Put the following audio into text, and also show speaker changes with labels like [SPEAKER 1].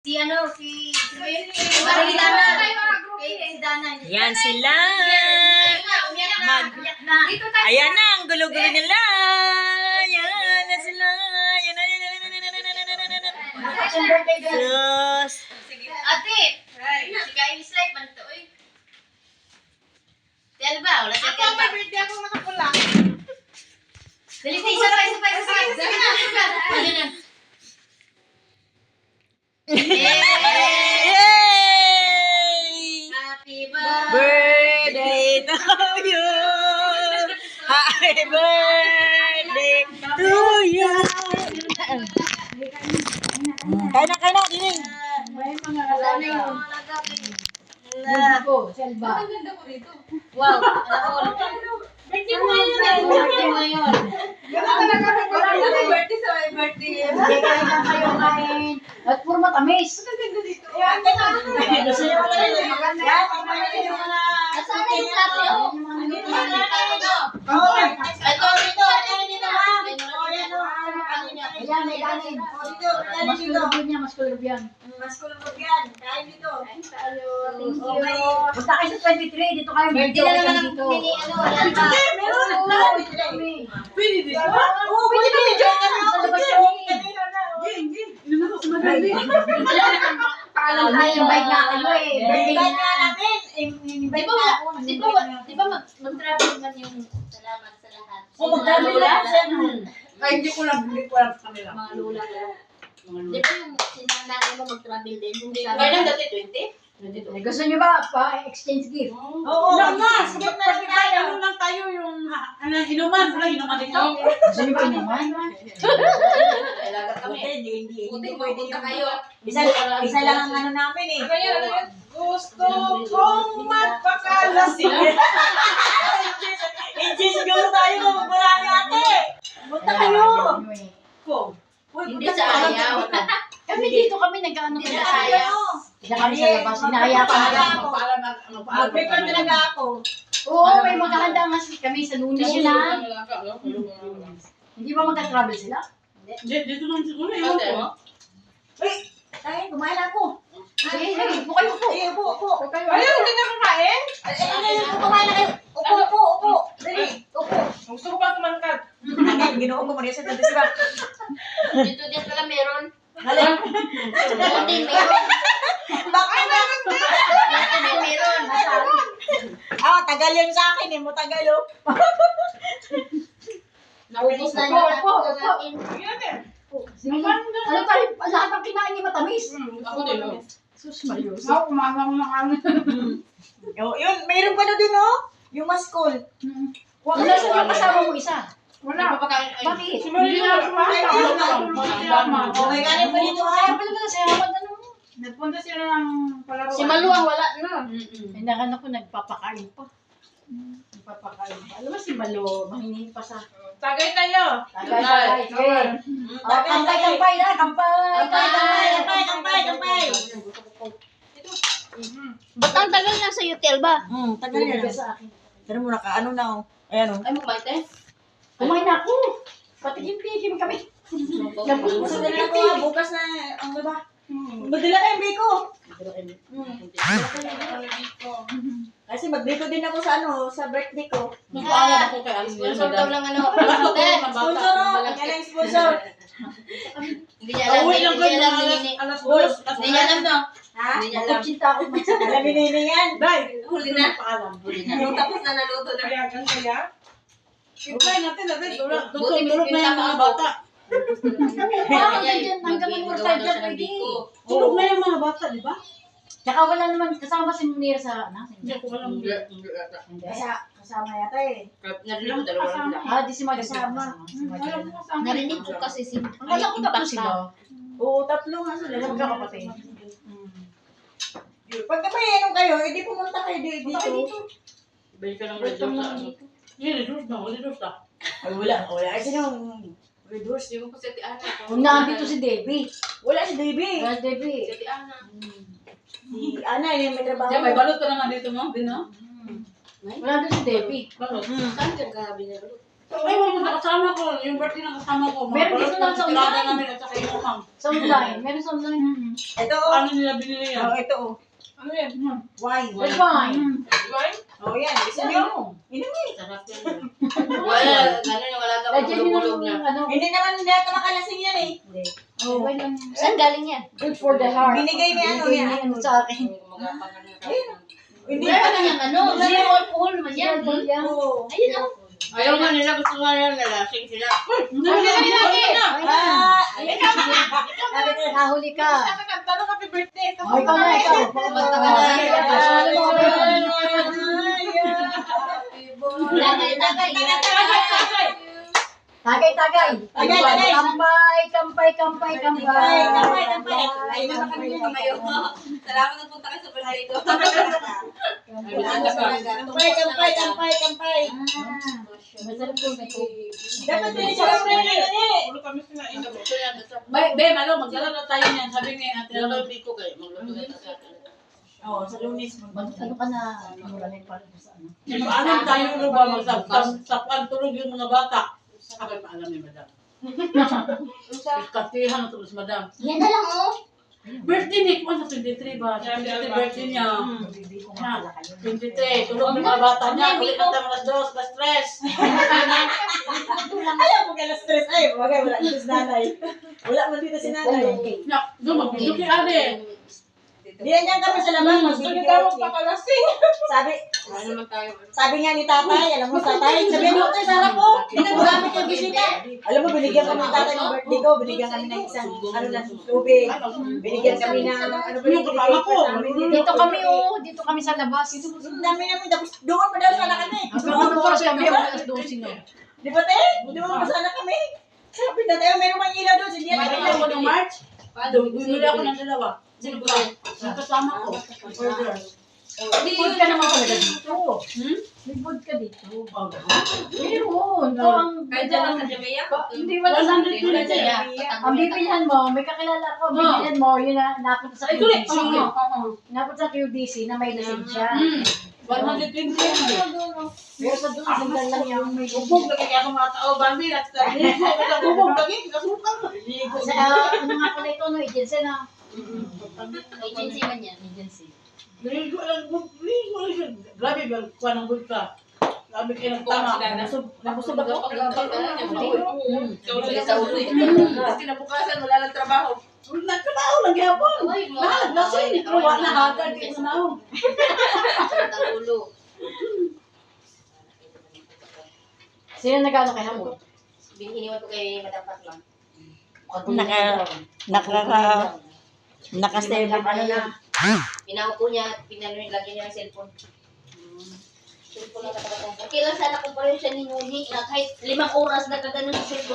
[SPEAKER 1] Si ano, si Dana. Si Dana.
[SPEAKER 2] Yan sila. Ayan na, ang gulo-gulo nila. Yan na sila. Yan na, yan na, yan na, yan na, yan na. Yes.
[SPEAKER 1] Ate, si Kyle Slide man to, oy. Di ba? Wala si Kyle.
[SPEAKER 3] Ako, may birthday ako nakapula.
[SPEAKER 1] Dali, isa pa. Sige na. Ayun na.
[SPEAKER 2] Yay!
[SPEAKER 1] Happy
[SPEAKER 2] Birthday to you. Happy birthday to you. Kain na, dining.
[SPEAKER 3] May mga kasama. Selva.
[SPEAKER 1] Ang ganda ko dito. Wow.
[SPEAKER 3] Birthday mo ngayon. Gano'n ka nagkakaroon.
[SPEAKER 1] Birthday sa my birthday.
[SPEAKER 3] Hindi kayo lang kayo kain. At puro matamis.
[SPEAKER 1] Ang ganda dito.
[SPEAKER 3] Gusto niyo pala yun. Maganda.
[SPEAKER 1] Nasaan na yung plato? Ito, dito.
[SPEAKER 3] Ayan, may kanin. Mas kulubyan niya, mas kulubyan.
[SPEAKER 1] Kain dito.
[SPEAKER 3] Punta kayo sa 23, dito kayo.
[SPEAKER 1] Birthday na naman ang
[SPEAKER 3] dito.
[SPEAKER 1] mini ano. Wala pa.
[SPEAKER 3] Pwede dito? Oo, pwede kami dyan. Sa labas kami. Paalam tayo, invite na kayo eh. Birthday na.
[SPEAKER 1] Di ba mag-travel man yung salamat sa lahat?
[SPEAKER 3] Mag-travel lang.
[SPEAKER 4] Ay, hindi ko lang sa kanila.
[SPEAKER 1] Mga lula ko. Di ba yung sinanay mo mag-travel din? Yung sabi-
[SPEAKER 4] Kailan dati 20?
[SPEAKER 3] Gusto niyo ba pa-exchange gift?
[SPEAKER 4] Oo, nga. Sige na lang tayo. Ano lang tayo yung inuman. Inuman dito.
[SPEAKER 3] Gusto niyo ba naman?
[SPEAKER 4] Kailangan kami. Hindi pwede
[SPEAKER 1] Punta
[SPEAKER 4] yung
[SPEAKER 1] kayo.
[SPEAKER 4] Isa lang ang ano namin eh.
[SPEAKER 3] Gusto kong magpakalasing.
[SPEAKER 4] Hindi siguro tayo magmula ni ate. Punta kayo.
[SPEAKER 1] Hindi sa ayaw.
[SPEAKER 3] Kami dito kami nag-ano
[SPEAKER 1] Hindi
[SPEAKER 3] kami.
[SPEAKER 1] sa ayaw.
[SPEAKER 3] Kaya kami sa labas, hinahaya pa namin.
[SPEAKER 4] Mag-prepare talaga ako.
[SPEAKER 3] Oo, may maghahanda nga kami sa Lunes yun ha. Hindi ba magka-travel sila?
[SPEAKER 4] Dito lang siguro. Ewan ko.
[SPEAKER 3] Ay, kumain ako. Sige, upo kayo, upo. Upo kayo.
[SPEAKER 4] Ayaw, hindi na kakain.
[SPEAKER 3] Kumain na kayo. Upo. Dali, upo.
[SPEAKER 4] Gusto ko pa tumangkad. Ginoon ko muna sa dati sila.
[SPEAKER 1] Dito din pala meron.
[SPEAKER 4] Halin.
[SPEAKER 1] Dito din meron.
[SPEAKER 4] Bakit meron din?
[SPEAKER 1] Dito din meron.
[SPEAKER 4] Tagal yun sa akin eh. Matagal oh.
[SPEAKER 1] Naubos na
[SPEAKER 3] Upo,
[SPEAKER 1] niya.
[SPEAKER 3] upo.
[SPEAKER 4] Sige.
[SPEAKER 3] Ano tayo, lahat ng kinain ni matamis.
[SPEAKER 4] Ako din oh.
[SPEAKER 3] Sus, Marios. Ako, kumama ko ng ano.
[SPEAKER 4] Yun, mayroon pa na dun oh. Yung maskol.
[SPEAKER 3] Wala sa yung kasama mo isa.
[SPEAKER 4] Wala.
[SPEAKER 3] Bakit?
[SPEAKER 4] Si Maria
[SPEAKER 3] Okay,
[SPEAKER 4] kanin pa dito ha.
[SPEAKER 3] Sabi naman sa yaman, ano?
[SPEAKER 4] Nagpunta sila ng palaro.
[SPEAKER 1] Si Maluang wala na.
[SPEAKER 3] May nakan ako nagpapakain pa. Nagpapakain pa. Alam mo si Malo, mahinin pa sa...
[SPEAKER 4] Tagay tayo.
[SPEAKER 3] Tagay. Sige. Kampay na, kampay.
[SPEAKER 4] Kampay.
[SPEAKER 1] Ba't ang tagal na sa hotel ba?
[SPEAKER 4] Tagal
[SPEAKER 3] Bibigay
[SPEAKER 4] yan.
[SPEAKER 3] sa akin.
[SPEAKER 4] Pero muna ka, ano na oh. Ayan oh.
[SPEAKER 1] Ay, mukbait eh.
[SPEAKER 3] Kumain na ako. Patigim-tigim kami.
[SPEAKER 4] Bukas na ako ah. Bukas na ang diba? Magdala tayong biko. Kasi magbiko din ako sa sa birthday ko.
[SPEAKER 1] Sponsor daw lang ano.
[SPEAKER 4] Sponsor oh. Yan ang sponsor.
[SPEAKER 1] Hindi niya alam. Hindi niya alam. Hindi niya alam no.
[SPEAKER 4] Ha?
[SPEAKER 1] Hindi niya alam.
[SPEAKER 3] Magkuchinta ako.
[SPEAKER 4] Alam ni Nini yan. Day.
[SPEAKER 1] Huli na. Huli na. Tapos na naluto na.
[SPEAKER 4] Kaya? Ikay natin.
[SPEAKER 1] Buti
[SPEAKER 4] Tulog na yung mga bata.
[SPEAKER 3] Hanggang mag-urtay dyan, pwede.
[SPEAKER 4] Tulog na yung mga bata, di ba?
[SPEAKER 3] Tsaka wala naman kasama si Munir sa...
[SPEAKER 4] Hindi ko alam.
[SPEAKER 3] Kasama yata eh. Di si Mag kasama.
[SPEAKER 1] Narinig ko kasi si
[SPEAKER 3] Akala ko tapos sila.
[SPEAKER 4] Oo, tatlo nga sila.
[SPEAKER 3] Magkakapatid.
[SPEAKER 4] Pagka may ano kayo, hindi pumunta kayo dito.
[SPEAKER 5] Balik ka ng red doors sa ano? Hindi, red doors na.
[SPEAKER 4] Ay, wala. Ay, sino? Red Horse.
[SPEAKER 5] Hindi mo pa si Ate Ana.
[SPEAKER 3] Kung nandito si Debbie.
[SPEAKER 4] Wala si Davey.
[SPEAKER 3] Wala si Debbie.
[SPEAKER 5] Si Ate Ana.
[SPEAKER 4] Si Ana, yung may trabaho.
[SPEAKER 5] Diyan, may balot ka naman dito mo. Din no?
[SPEAKER 3] Wala doon si Debbie.
[SPEAKER 5] Balot.
[SPEAKER 1] Saan ka gabi na?
[SPEAKER 4] Ay, wag mo sa kasama ko. Yung birthday ng kasama ko.
[SPEAKER 3] Meron dito lang sa
[SPEAKER 4] tirada
[SPEAKER 3] online.
[SPEAKER 4] namin at saka yung umang.
[SPEAKER 3] Sa online. Meron sa online.
[SPEAKER 2] Ito,
[SPEAKER 4] Ano nila binili yan?
[SPEAKER 2] ito,
[SPEAKER 4] Ano yan?
[SPEAKER 2] wine.
[SPEAKER 3] Red wine.
[SPEAKER 2] Oh, yan. Gusto nyo? Inumin.
[SPEAKER 5] Sarap yan.
[SPEAKER 1] Wala, gano'n wala ka
[SPEAKER 3] Lagyan nyo
[SPEAKER 1] pagulog
[SPEAKER 3] ng
[SPEAKER 1] na.
[SPEAKER 3] ano.
[SPEAKER 2] Hindi naman nila makalasing yan eh.
[SPEAKER 3] Oh.
[SPEAKER 1] Saan galing yan?
[SPEAKER 3] Good for the heart.
[SPEAKER 2] Binigay ni ano
[SPEAKER 3] Binigay
[SPEAKER 2] niya.
[SPEAKER 3] ni ano sa akin.
[SPEAKER 2] Hindi
[SPEAKER 1] Wala
[SPEAKER 2] pa
[SPEAKER 1] ka
[SPEAKER 2] niya.
[SPEAKER 1] niyang ano, zero alcohol naman yan.
[SPEAKER 2] Oo.
[SPEAKER 1] Ayun oh.
[SPEAKER 5] Ayaw nga nila, gusto nga nila, nalasing sila.
[SPEAKER 4] Hindi na.
[SPEAKER 2] Ah,
[SPEAKER 3] Nahuli ka.
[SPEAKER 2] Tanong happy birthday. Ito
[SPEAKER 3] Oh, ikaw na, ikaw.
[SPEAKER 1] Kumanta ka na. Tagay, tagay.
[SPEAKER 3] Tagay, tagay.
[SPEAKER 2] Tagay.
[SPEAKER 3] Kampay, kampay, kampay, kampay.
[SPEAKER 2] Ay, naman kami yung kamayo.
[SPEAKER 1] Salamat na punta ka sa birthday ko.
[SPEAKER 2] Kampay.
[SPEAKER 3] Masarap yung may tubig.
[SPEAKER 2] Dapat din siya lang
[SPEAKER 4] Ulo kami sinain. Be, malo, magdala na tayo niyan. Sabi ni Ate
[SPEAKER 5] Pero
[SPEAKER 4] Ano.
[SPEAKER 5] hindi ko kayo, magluto na sa akin.
[SPEAKER 2] Oo, sa Lunes.
[SPEAKER 3] Ano ka na? Murahin pa rin sa ano.
[SPEAKER 4] Paano tayo ulo ba magsapang tulog yung mga bata? Ako'y paalam ni Madam. Katihan na tulog si Madam.
[SPEAKER 1] Yan na lang oh.
[SPEAKER 4] Birthday ni Kwan sa 23 ba? 23 birthday niya. 23. Tulog ng mga bata niya. Kulit na tayo mga 2, plus 3.
[SPEAKER 2] Ayaw mo kaya stress. Ay, wala dito si nanay. Wala man dito si nanay.
[SPEAKER 4] Doon, magpinduki ade.
[SPEAKER 2] Diyan yan kami sa labas. Magbibigay
[SPEAKER 4] pakalasing.
[SPEAKER 2] Sabi nga ni tatay, alam mo tatay, sabi mo tayo sa harap ko. Ginagamit yung bisita. Alam mo, binigyan kami ng tatay ng birthday ko. Binigyan kami ng isang, ano lang, tubig. Binigyan kami ng, ano ba yung
[SPEAKER 4] kasama ko?
[SPEAKER 3] Dito kami oh, dito kami sa labas.
[SPEAKER 2] Ang dami namin, tapos doon pa daw sana kami.
[SPEAKER 3] Ano oras kami? Alas 12 na.
[SPEAKER 2] Di ba te? Di ba sana kami? Sabi na tayo, meron mang ilaw doon. Hindi
[SPEAKER 4] May
[SPEAKER 2] yan
[SPEAKER 4] ilaw ko ng March. Bumili ako ng dalawa. Sino ba? Yung kasama ko. Order.
[SPEAKER 3] May food ka naman talaga dito. May food ka dito. Meron. Ito ang
[SPEAKER 1] Kahit dyan lang sa Jamaica.
[SPEAKER 3] Hindi wala
[SPEAKER 4] 120
[SPEAKER 3] Ang bibilhan mo, may kakilala ko, bibilhan mo, yun na napunta sa
[SPEAKER 4] Ay, tuloy.
[SPEAKER 3] QDC. Napunta sa QDC na may lisensya.
[SPEAKER 4] 120 yan.
[SPEAKER 3] Pero sa doon, sandal lang yung may
[SPEAKER 4] Bubog lagi kaya akong mga tao. Bambi, at sabi. Bubog lagi. Kasukang.
[SPEAKER 3] Sa ano nga pala ito, no, agency na.
[SPEAKER 1] Agency man yan.
[SPEAKER 3] Agency.
[SPEAKER 4] Ligo lang. Ligo lang siya. Grabe ba? Kuha ng bulka. Grabe kayo ng tama. Nabusog ako.
[SPEAKER 1] Sa ulo eh. Tapos kinabukasan, wala lang trabaho.
[SPEAKER 4] Nagtrabaho lang gihapon. Lahat lasing. Pero wala hagad. Di ko na.
[SPEAKER 1] Sakit ang ulo.
[SPEAKER 3] Sino nag-ano kay Hamon?
[SPEAKER 1] Iniwan ko kay Madam Patlang.
[SPEAKER 2] Naka-stay
[SPEAKER 3] Ano na?
[SPEAKER 1] Pinaupo niya at lagyan niya ng cellphone. Cellphone lang nakakatampon. Kailan sana kung pareho siya ni Nuni, kahit 5 oras na kaganon sa cellphone.